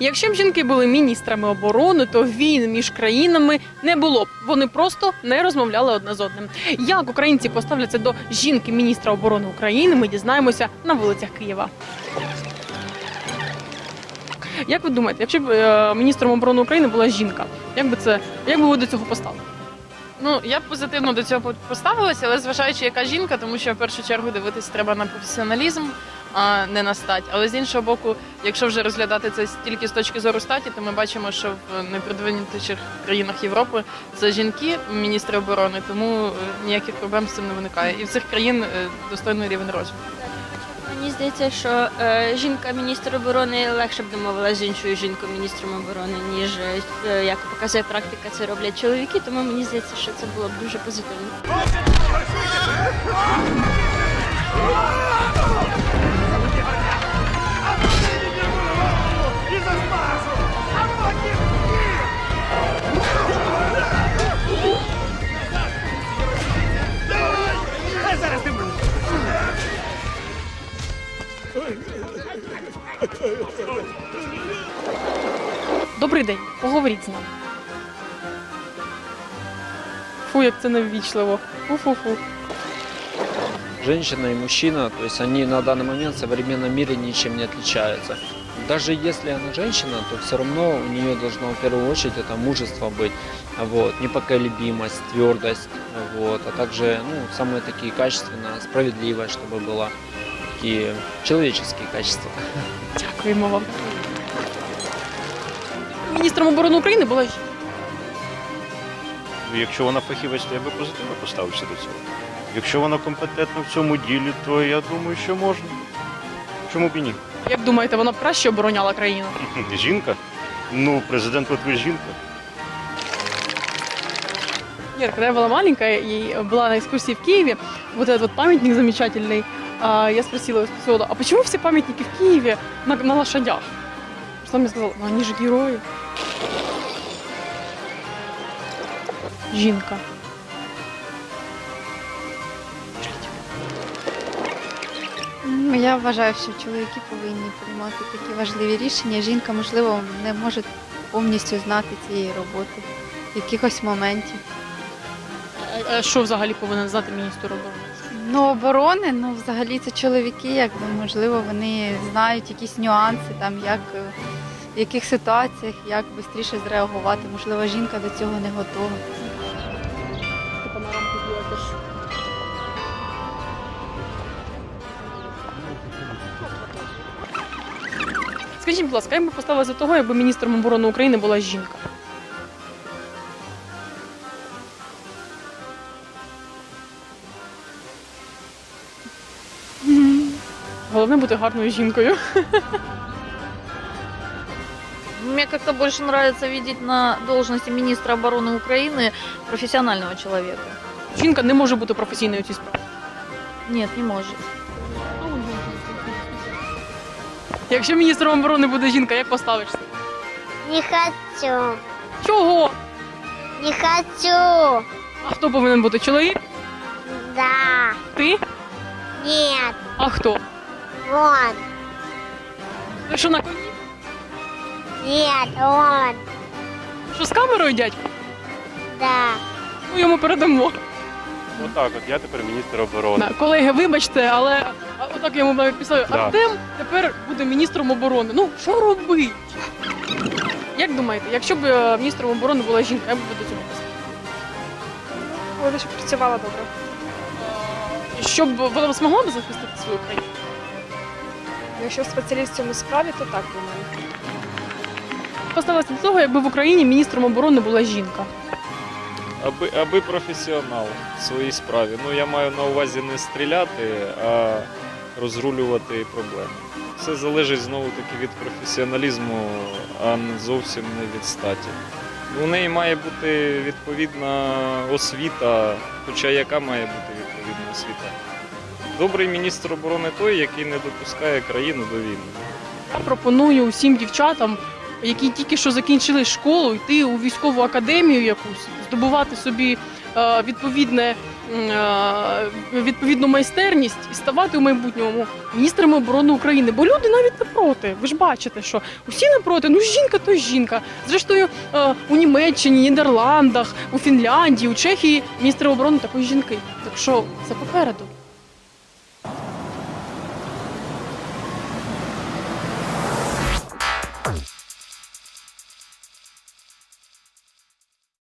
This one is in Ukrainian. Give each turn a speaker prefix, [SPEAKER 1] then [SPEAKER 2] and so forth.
[SPEAKER 1] Якщо б жінки були міністрами оборони, то війн між країнами не було б. Вони просто не розмовляли одне з одним. Як українці поставляться до жінки міністра оборони України, ми дізнаємося на вулицях Києва. Як ви думаєте, якщо б міністром оборони України була жінка, як би ви до цього поставили?
[SPEAKER 2] Ну, я б позитивно до цього поставилася, але зважаючи, яка жінка, тому що в першу чергу дивитись треба на професіоналізм, а не на стать. Але з іншого боку, якщо вже розглядати це тільки з точки зору статі, то ми бачимо, що в найпродвинутіших країнах Європи це жінки, міністри оборони, тому ніяких проблем з цим не виникає. І в цих країн достойний рівень розвитку.
[SPEAKER 3] Мені здається, що жінка-міністр оборони легше б домовилася з іншою жінкою-міністром оборони, ніж, як показує практика, це роблять чоловіки, тому мені здається, що це було б дуже позитивно.
[SPEAKER 1] Добрий день, поговоріть з нами. Фу, як це неввічливо. Фу-фу-фу.
[SPEAKER 4] Женщина и мужчина, то есть они на данный момент в современном мире ничем не отличаются. Даже если она женщина, то все равно у нее должно в первую очередь это мужество быть, вот, непоколебимость, твердость, вот, а также самые такие качественные, справедливость, чтобы была, такие человеческие качества.
[SPEAKER 1] Дякуємо вам. Міністром оборони України була жінка.
[SPEAKER 5] Якщо вона фахівець, то я би позитивно поставився до цього. Якщо вона компетентна в цьому ділі, то я думаю, що можна. Чому б і ні?
[SPEAKER 1] Як думаєте, вона б краще обороняла країну?
[SPEAKER 5] Жінка? Ну, президент Литви жінка.
[SPEAKER 1] Нет, когда я была маленькая и была на экскурсии в Киеве, вот этот вот памятник замечательный, я спросила у экскурсовода, а почему все памятники в Киеве на лошадях? Что он мне сказал, ну они же герои. Жінка.
[SPEAKER 6] Я вважаю, що чоловіки повинні приймати такі важливі рішення. Жінка, можливо, не може повністю знати цієї роботи, якихось моментів.
[SPEAKER 1] А що взагалі повинен знати міністр оборони?
[SPEAKER 6] Оборони, взагалі це чоловіки, можливо, вони знають якісь нюанси, в яких ситуаціях, як швидше зреагувати. Можливо, жінка до цього не готова.
[SPEAKER 1] Скажіть, будь ласка, як би поставилася до того, якби міністром оборони України була жінка? Головне бути гарною жінкою.
[SPEAKER 7] Мне как-то больше нравится видеть на должности министра обороны Украины профессионального человека.
[SPEAKER 1] Жінка не може бути професійною у цій справі.
[SPEAKER 7] Нет, не может.
[SPEAKER 1] Якщо міністром оборони буде жінка, як поставишся?
[SPEAKER 8] Не хочу.
[SPEAKER 1] Чого?
[SPEAKER 8] Не хочу.
[SPEAKER 1] А хто повинен бути? Чоловік?
[SPEAKER 8] Да.
[SPEAKER 1] Ти?
[SPEAKER 8] Нет.
[SPEAKER 1] А хто?
[SPEAKER 8] Он.
[SPEAKER 1] Ви що на коні?
[SPEAKER 8] Нет, он.
[SPEAKER 1] Що з камерою, дядько?
[SPEAKER 8] Да.
[SPEAKER 1] Ми йому передамо.
[SPEAKER 5] Отак от, я тепер міністр оборони.
[SPEAKER 1] Колеги, вибачте, але отак я йому навіть писав,
[SPEAKER 5] Да.
[SPEAKER 1] Артем тепер буде міністром оборони. Ну, що робити? Як думаєте, якщо б міністром оборони була жінка, як би ви до цього писали?
[SPEAKER 9] Вона щоб працювала добре.
[SPEAKER 1] Щоб вона змогла б захистити свою країну?
[SPEAKER 9] Якщо спеціаліст в цьому справі, то так, думаю.
[SPEAKER 1] Поставилася до того, якби в Україні міністром оборони була жінка.
[SPEAKER 10] Аби професіонал в своїй справі. Я маю на увазі не стріляти, а розрулювати проблеми. Все залежить знову-таки від професіоналізму, а зовсім не від статі. У неї має бути відповідна освіта, хоча яка має бути відповідна освіта? Добрий міністр оборони той, який не допускає країну до війни.
[SPEAKER 1] Я пропоную усім дівчатам, які тільки що закінчили школу, йти у військову академію якусь, здобувати собі відповідну майстерність і ставати у майбутньому міністрами оборони України. Бо люди навіть не проти. Ви ж бачите, що усі не проти. Ну жінка то жінка. Зрештою, у Німеччині, Нідерландах, у Фінляндії, у Чехії міністри оборони також жінки. Так що це попереду.